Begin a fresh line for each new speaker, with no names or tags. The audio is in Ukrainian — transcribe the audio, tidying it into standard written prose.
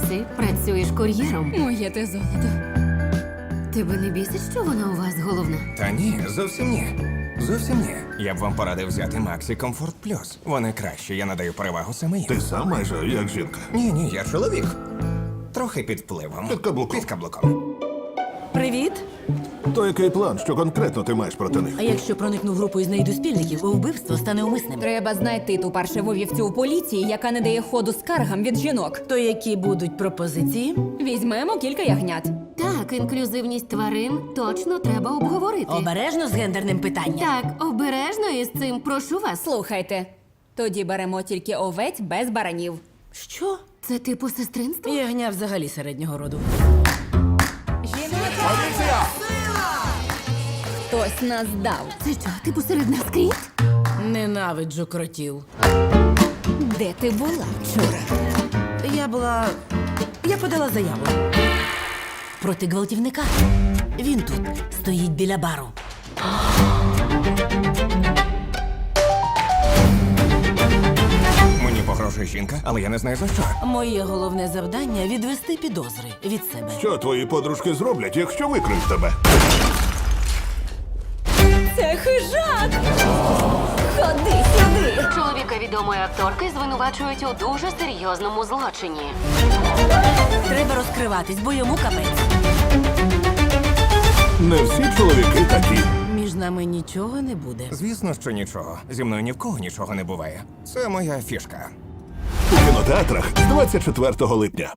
Максі, працюєш кур'єром.
Моє те золото.
Тебе не бісить, що вона у вас головна?
Та ні, зовсім ні. Зовсім ні. Я б вам порадив взяти Максі Комфорт Плюс. Вони краще, я надаю перевагу саме їм.
Ти сам майже як жінка.
Ні, я чоловік. Трохи під впливом.
Під каблуком.
Під каблуком.
Привіт.
То який план, що конкретно ти маєш проти них?
А якщо проникну в групу і знайду спільників, вбивство стане умисним.
Треба знайти ту паршиву вівцю у поліції, яка не дає ходу скаргам від жінок.
То які будуть пропозиції?
Візьмемо кілька ягнят.
Так, інклюзивність тварин точно треба обговорити.
Обережно з гендерним питанням.
Так, обережно із цим, прошу вас.
Слухайте, тоді беремо тільки овець без баранів.
Що?
Це типу сестринство?
Ягня взагалі середнього роду.
Хтось нас дав.
Це що, типу серед нас кріт?
Ненавиджу кротів.
Де ти була вчора?
Я подала заяву. Проти гвалтівника. Він тут стоїть біля бару.
Мені погрожує жінка, але я не знаю за що.
Моє головне завдання відвести підозри від себе.
Що твої подружки зроблять, якщо викриють тебе?
Це хижак! Ходи сюди!
Чоловіка відомої акторки звинувачують у дуже серйозному злочині.
Треба розкриватись, бо йому капець.
Не всі чоловіки такі.
Між нами нічого не буде.
Звісно, що нічого. Зі мною ні в кого нічого не буває. Це моя фішка.
У кінотеатрах з 24 липня.